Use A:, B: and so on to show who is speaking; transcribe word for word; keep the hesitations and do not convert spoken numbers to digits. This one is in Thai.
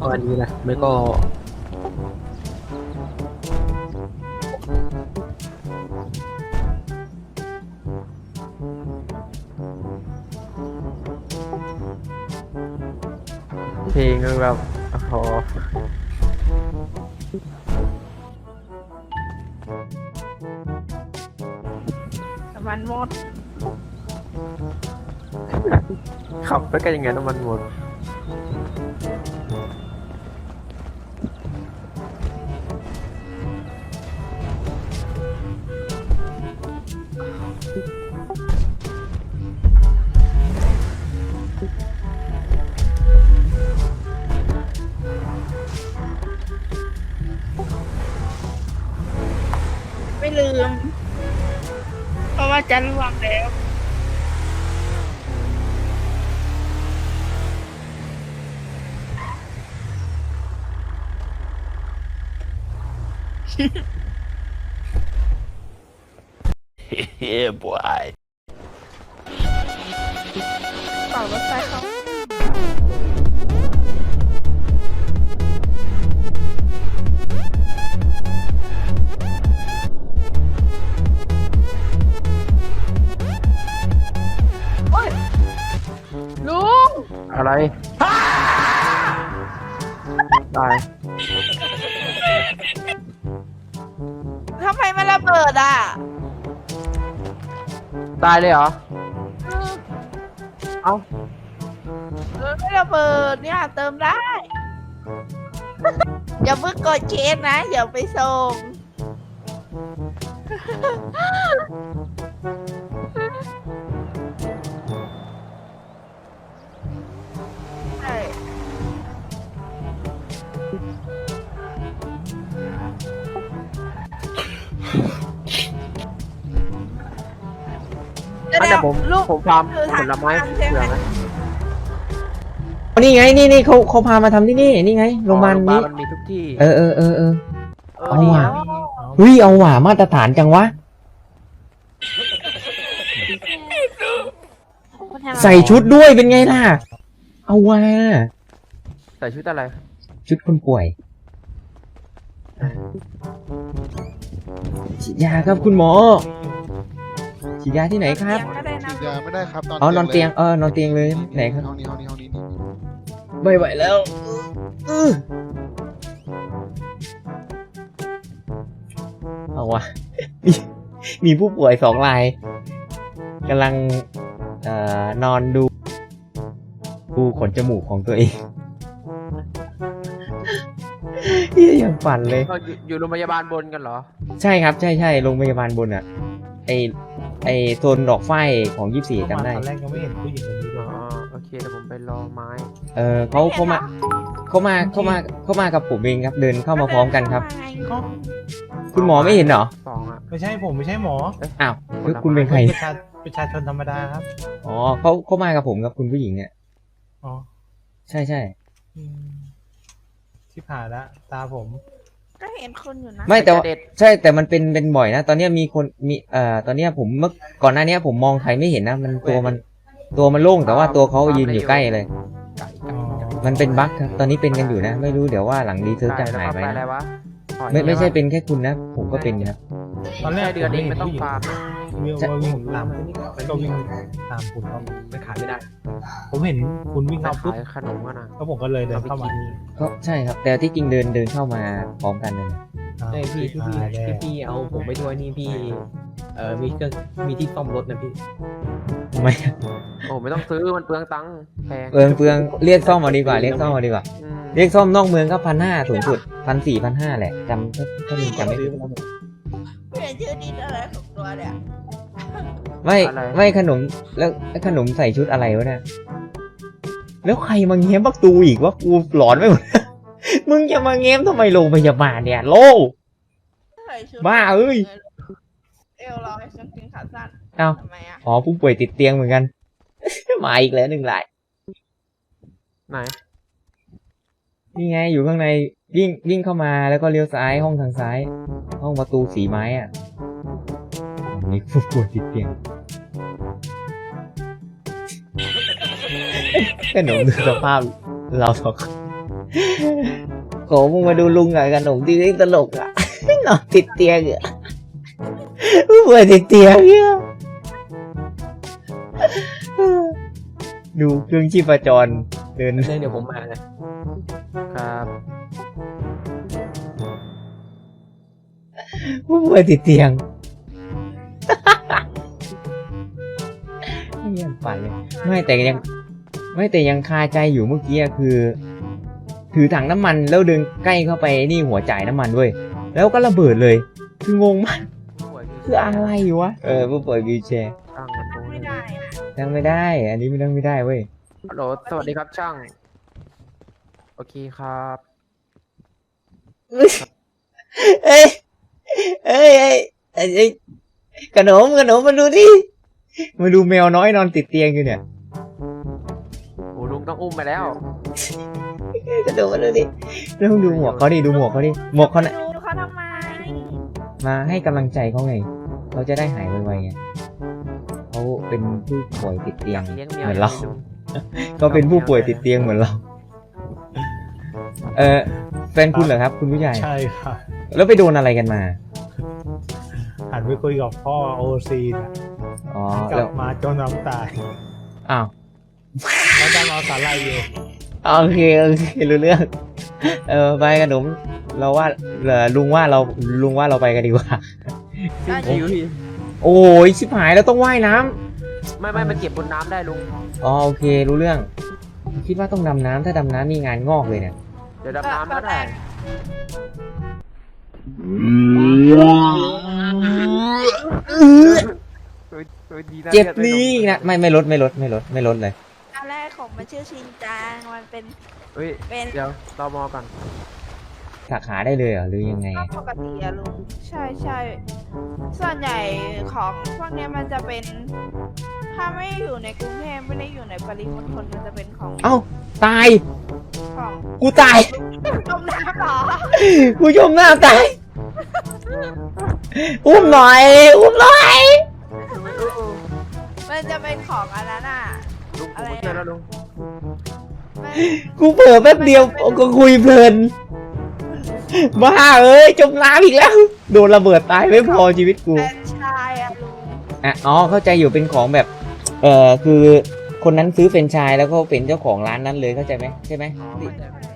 A: ก็อันนี้นะไม่ก็เพลงมันแบบโอ้โห
B: น้ำมันหมด
A: ขับไปกันยังไงน้ำมันหมด
B: ไม่ลืม เพราะว่าจะล่วงแล้ว
C: Yeah, boy.
B: ต่อรถไฟเขาโอ๊ยลุง
A: อะไรตาย
B: ทำไมมันระเบิดอ่ะ
A: ตายเลยเหรอ
B: เออ
A: เอ้า
B: เออไม่ระเบิดเนี่ยเติมได้ อย่าเพิ่งกดเคสนะอย่าไปส่ง ใช่
A: อันนี้ผม
B: ลูก
A: ผมฟาร์ม
B: คือ
A: ผ
B: ทาง
A: ลไม้
B: ทางใช่ไหม
A: เผือกนะ
D: นี่ไงนี่นี่เขาเขาพามาทำที่นี่นี่ไงโรงพยาบาล
A: อ๋อ
D: นี้
A: มันมีทุกที่
D: เออเออเออเออ
A: เออ
D: เอา
A: ดี
D: ว่ะ
A: นะ
D: เฮ้ยเอาว่ะมาตรฐานจังวะใส่ชุดด้วยเป็นไงล่ะ เอาว่ะ
A: ใส่ชุดอะไร
D: ชุดคนป่วยฉีดยาครับคุณหมอฉีดยาที่ไหนครับ
B: เตียงก็ได้นะ
E: ฉีดยาไม่ได้ครับนอน
D: อ๋อนอนเตียงเออนอนเตียงเลยไหนครับ
E: ห้องนี้ห้องนี้ห้องนี้นี่
D: ไม่ไหวแล้วอื้อเอาวะ มีมีผู้ป่วยสองรายกำลังเอ่อนอนดูดูขนจมูกของตัวเอง เฮียอย่างฝันเลย
A: ก็อยู่อยู่โรงพยาบาลบนกันเหรอ
D: ใช่ครับใช่ใช่โรงพยาบาลบนอ่ะ ไอไอโซนดอกไฟของยี่สี่จำได้
F: ตอนแรกยังไม่เห็นผู้หญิงคนนี้เล
A: อ๋อย โอเคเดี๋ยวผมไปรอไม้
D: เออเขาเขามาเขามาเขามาเขามากับผมเองครับ เดินเข้ามาพร้อมกันครับ
F: ก็
D: คุณหมอไม่เห็นเหรอ
A: สองอ่ะ
F: ไม่ใช่ผมไม่ใช่หมอ
D: อ้าวแล้วคุณเป็นใคร
F: ประชาประชาชนธรรมดาครับ
D: อ๋อเขาเขามากับผมกับคุณผู้หญิงเนี่ย
F: อ๋อ
D: ใช่ใช่
F: อืมที่ผ่านละตาผม
B: ก็เห็นคนอยู่นะ
D: ไม่แต่ว่า
A: เด็ด
D: ใช่แต่มันเป็นเป็นบ่อยนะ ตอนเนี้ยมีคนมีเอ่อตอนเนี้ยผมเมื่อก่อนหน้าเนี้ยผมมองใครไม่เห็นนะมันตัวมันตัวมันโล่งแต่ว่าตัวเขายืนอยู่ใกล้เลย
A: ไก่
F: อ๋อ
D: มันเป็นบั๊กครับตอนนี้เป็นกันอยู่นะ ไม่รู้เดี๋ยวว่าหลังรีเซิร์ชจะ
A: ไก่แล้ว
D: หาย
A: ก็
D: ไป
A: ไปอะไร
D: นะ
A: วะหอย
D: ไม่ไม่ใช่
A: อะร
D: เป็นแค่คุณนะ ผมก็เป็นนะครับ
F: ตอนแรก
A: ใช่เดือนเองไม่ต้อง
F: ผ
A: ฟาร์ม
F: เห็นผู้หญิงวิ่งว่าวิ่งตามก็วิ่งตามคุณเขาไม่ขายไม่ได้ ผมเห็นคุณวิ่ง
A: ไป
F: เข้าปุ๊บ
A: ขายขนมกันนะ
F: แล้วผมก็เลยเดินเข้ามา
D: ก็ใช่ครับ แต่ที่จริงเดินเดินเข้ามาพร้อมกันเลยนะ
G: ใช่พี่ที่พี่
F: ตายแล้ว
G: ที่พี่เอาผมไปด้วยนี่พี่ เออมีเครื่องมีที่ซ่อมรถนะพี่
D: ทำไม
A: โอ้ไม่ต้องซื้อมันเปลืองตังค์แพง
D: เปลืองเปลืองเรียกซ่อมมาดีกว่าเรียกซ่อมมาดีกว่า
A: อืม
D: เรียกซ่อมนอกเมืองก็พันห้าสูงสุดพันสี่พันห้าแหละจำถ้าถ้ามีจำไม่ผิด
B: เปลี่ยนชื่อดินอะไรของตัวเนี่ย
D: ไม่ไม่ขนมแล้วขนมใส่ชุดอะไรวะเนี่ยแล้วใครมาเง้มประตูอีกวะกูหลอนไปหมด มึงจะมาเง้มทำไมโรงพยาบาลเนี่ยโล
B: ใส่ชุด
D: บ้าเอ้ย
B: เอวลอยกางเกงขาสั้น
D: เอ้า
B: ทำไมอ่ะ
D: อ๋อผู้ป่วยติดเตียงเหมือนกัน มาอีกแล้วหนึ่งราย
A: ไหน
D: นี่ไงอยู่ข้างในวิ่งวิ่งเข้ามาแล้วก็เลี้ยวซ้ายห้องทางซ้าย ห้องประตูสีไม้อ่ะนี่ผู้ป่วยติดเตียง ขนมดูสภาพเราสองคนขอมึงมาดูลุงกับขนมที่ตลกอ่ะ นอนติดเตียงอ่ะผู้ป่วยติดเตียงเนี่ยดูเครื่องชีพจรเดิน
G: เดี๋ยวผมมานะ
A: ครับ
D: ผู้ป่วยติดเตียง ไม่ยังฝันเลยไม่แต่ยัง ไม่แต่ยังคาใจอยู่เมื่อกี้อะคือ ถือถังน้ำมันแล้วเดินใกล้เข้าไปนี่หัวจ่ายน้ำมันด้วยแล้วก็ระเบิดเลย คืองงมากคืออะไรวะเออผู้ป่วยวีลแชร์
A: ช่างมันตรง
B: ไม่
A: นี้
B: ได้อะ
D: นั่งไม่ได้ อันนี้ไม่นั่งไม่ได้เว้ย
A: ฮัลโหลสวัสดีครับช่าง โอเคครับ
D: เอ้ยเอ้ยเอ้ยเอ้ยเอ้ยขนมขนมมาดูดิมาดูแมวน้อยนอนติดเตียงอยู่เนี่ย
A: โอ้ลุงต้องอุ้มไปแล้ว
D: ขนมมาดูดิแล้วดูหมวกเขาดิดูหมวกเขาดิหมวกเขาน่ะ
B: ดูเขาทำไม
D: มาให้กำลังใจเขาไงเขาจะได้หายไวๆไงเขาเป็นผู้ป่วยติดเตียง
A: เลี้ยงแมว
D: เหมือนเรา
A: ลุง
D: ก็เป็นผู้ป่วยติดเตียงเหมือนเรา เออแฟนคุณเหรอครับ คุณผู้ใหญ่
F: ใช่ค่ะ
D: แล้วไปโดนอะไรกันมา
F: หันไปคุยกับพ่อโอซีนะ
D: อ๋อก
F: ลั
D: แล้ว
F: บมาจนน้ำตาย
D: อ้าว
F: แล้วจะรอสาลายอยู่
D: โอเคโอเครู้เรื่อง เออไปขนมเราว่าเออลุงว่าเราลุงว่าเราไปกันดีกว่า
B: ได้
A: หิว
D: โอ้ยชิบหายแล้วต้องว่ายน้ำ
A: ไม่ไม่มันเก็บบนน้ำได้ลุง
D: อ๋อโอเครู้เรื่อง คิดว่าต้องดำน้ำถ้าดำน้ำนี่งานงอกเลยเนี่ย
A: เดี๋ยวดำน้ำก็ได้เฮ้ยเฮ้ยดีนะ
D: เจ็บ
A: ลือด
D: นี่นะไม่ไม่ลดไม่ลดไม่ลดไม่ลดเลย
B: ตอนแรกของมันชื่อชินจังมันเป็น
A: เฮ้ย
B: เป็น
A: เดี๋ยวรอมอก่อน
D: สาขาได้เลยเหรอหรือยังไง
B: ก็ปกติอะลุงใช่ใช่ส่วนใหญ่ของพวกเนี้ยมันจะเป็น ถ้าไม่อยู่ในกรุงเทพไม่ได้อยู่ในปริมณฑลมันจะเป็นของ
D: เอ้าตาย
B: ของ
D: กูตาย
B: จมน้ำเหรอ
D: กูจมน้ำตาย อุ้มหน่อย อุ้มหน่อย
B: มันจะเป็นของอันนั้นอ่ะ
A: ลุงผม
B: อะไร
A: ช่วย
B: อะ
A: แล้วลุง
B: มัน
D: กูเผลอแป๊บเดียวก็คุยเพลิน บ้าเอ้ยจมน้ำอีกแล้ว โดนระเบิดตายไม่พอชีวิตกู
B: แฟรนไชายอะลุง
D: อ่ะอ๋อเข้าใจอยู่เป็นของแบบ เอ่อคือคนนั้นซื้อเฟรนไชส์แล้วก็เป็นเจ้าของร้านนั้นเลยเข้าใจไหมใช่ไหม
A: อ๋อเข้าใจ